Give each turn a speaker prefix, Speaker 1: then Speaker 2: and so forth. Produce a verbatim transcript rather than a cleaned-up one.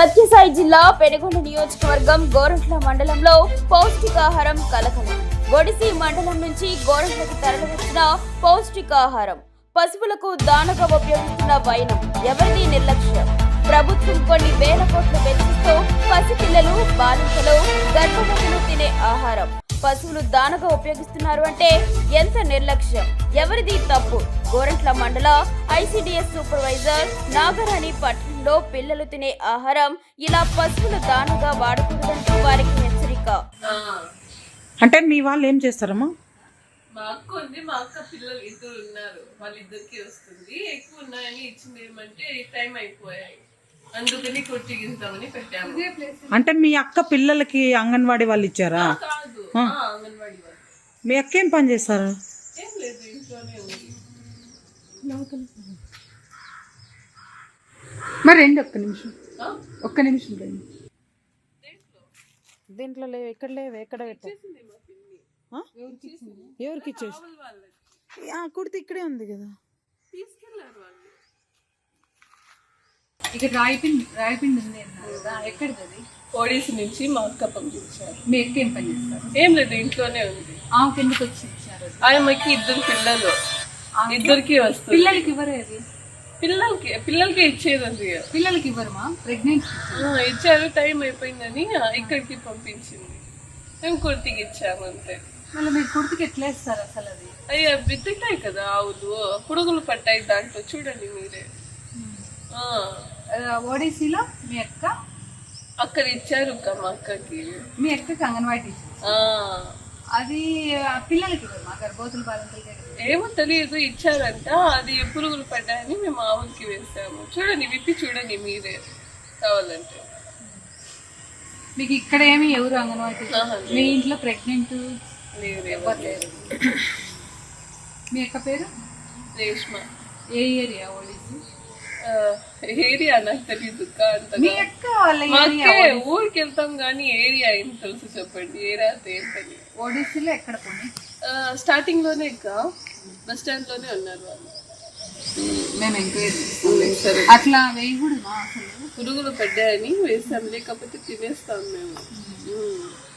Speaker 1: సత్యసాయి జిల్లా పెనుగొండ నియోజకవర్గం గోరంట్ల మండలంలో పౌష్టికాహారం కలకలం. ఒడిసి మండలం నుంచి గోరంట్లకు తరలివచ్చిన పౌష్టికాహారం పశువులకు దానగా ఉపయోగిస్తున్న వైనం ఎవరిది నిర్లక్ష్యం? ప్రభుత్వం కొన్ని వేల కోట్లు వెచ్చిస్తూ పసిపిల్లలు, బాలింతలు, గర్భవతులు తినే ఆహారం పశువులు దానగా ఉపయోగిస్తున్నారు అంటే ఎంత నిర్లక్ష్యం? ఎవరిది తప్పు? గోరంట్ల మండల ఐసిడిఎస్ సూపర్వైజర్ నాగరాణి పట్టణంలో పిల్లలు తినే ఆహారం ఇలా పశువులు దానగా వాడకూడదంటూ వారికి హెచ్చరిక.
Speaker 2: అంటే మీ వాళ్ళు ఏం చేస్తారమ్మా?
Speaker 3: మా అక్క ఉంది, మా అక్క పిల్లలు ఇద్దరు ఉన్నారు, వాళ్ళిద్దరికి వస్తుంది. ఎక్కువ ఉన్నాయని ఇచ్చింది ఏమంటే టైం అయిపోయాయి, అందుకని కొట్టిగిద్దామని పెట్టాము.
Speaker 2: అంటే మీ అక్క పిల్లలకి అంగన్వాడీ వాళ్ళు ఇచ్చారా?
Speaker 3: కాదు, అంగన్వాడీ వాళ్ళు.
Speaker 2: మీ అక్క ఏం పని చేస్తారు?
Speaker 3: ఏం లేదు, ఇంట్లోనే ఉంది.
Speaker 4: మరి రండి, ఒక్క నిమిషం ఒక్క నిమిషం రండి.
Speaker 2: దీంట్లో లేవు, ఎక్కడ లేవు, ఎక్కడ పెట్టారు? ఎవరికి ఇచ్చేసి కుడితే ఇక్కడే ఉంది కదా.
Speaker 3: తీసుకెళ్లారు వాళ్ళు.
Speaker 4: ఇక్కడ రాయిపిండి రాయిపిండి ఉంది అన్నారు కదా, ఎక్కడిది అది?
Speaker 3: ఒడిసి నుంచి మా అక్క పంపించారు.
Speaker 4: మీ అక్క ఏం పని చేస్తారు?
Speaker 3: ఏం లేదు, ఇంట్లోనే ఉంది.
Speaker 4: ఆమెకి ఎందుకు వచ్చి ఇచ్చారు?
Speaker 3: ఆయమ్మకి ఇద్దరు పిల్లలు, ఇద్దరికి వస్తుంది.
Speaker 4: పిల్లలకి ఇవ్వరు అది?
Speaker 3: పిల్లలకి పిల్లలకి ఇచ్చేది అది.
Speaker 4: పిల్లలకి ఇవ్వరమా? ప్రెగ్నెంట్
Speaker 3: ఇచ్చారు, టైం అయిపోయిందని ఇక్కడికి పంపించింది. మేము కుర్తికి ఇచ్చాము అంతే.
Speaker 4: మళ్ళీ మీరు కుర్తికి ఎట్లా ఇస్తారు అసలు? అది
Speaker 3: అయ్యా బిత్తిటాయి కదా ఆవులు, పురుగులు పట్టాయి దాంట్లో, చూడండి మీరే.
Speaker 4: ఓడిసీలో మీ అక్క
Speaker 3: అక్కడ ఇచ్చారు మా అక్కకి.
Speaker 4: మీ అక్కకి అంగన్వాడీ టీచర్. అది పిల్లలకి ఇవ్వరమా? గర్భవతులు, బాలింతలకి
Speaker 3: ఏమో తెలియదు, ఇచ్చారంట. అది పురుగులు పడ్డాయని మేము ఆవులకి వేసాము. చూడండి, విప్పి చూడండి మీరే కావాలంటే.
Speaker 4: మీకు ఇక్కడ ఏమి ఎవరు అంగన్వాడీ టీచర్? మీ ఇంట్లో ప్రెగ్నెంట్
Speaker 3: లేదు,
Speaker 4: ఎవరు లేరు. మీ అక్క పేరు
Speaker 3: రేష్మ.
Speaker 4: ఏ ఏరియా ఓడిసి?
Speaker 3: ఏరియా నాకు తెలియదు.
Speaker 4: మీ అక్క వాళ్ళ
Speaker 3: ఊరికి వెళ్తాం కానీ ఏరియా ఏం తెలుసు చెప్పండి. ఏరియా ఏంటని
Speaker 4: ఓడిసిలో ఎక్కడ పోనీ?
Speaker 3: స్టార్టింగ్ లోనే ఇంకా బస్ స్టాండ్ లోనే ఉన్నారు వాళ్ళు.
Speaker 4: మేము ఎంక్వైరీ
Speaker 3: సరే,
Speaker 4: అట్లా వేయకూడదు అసలు.
Speaker 3: పురుగులు పడ్డాయని వేసాం, లేకపోతే తినేస్తాం మేము.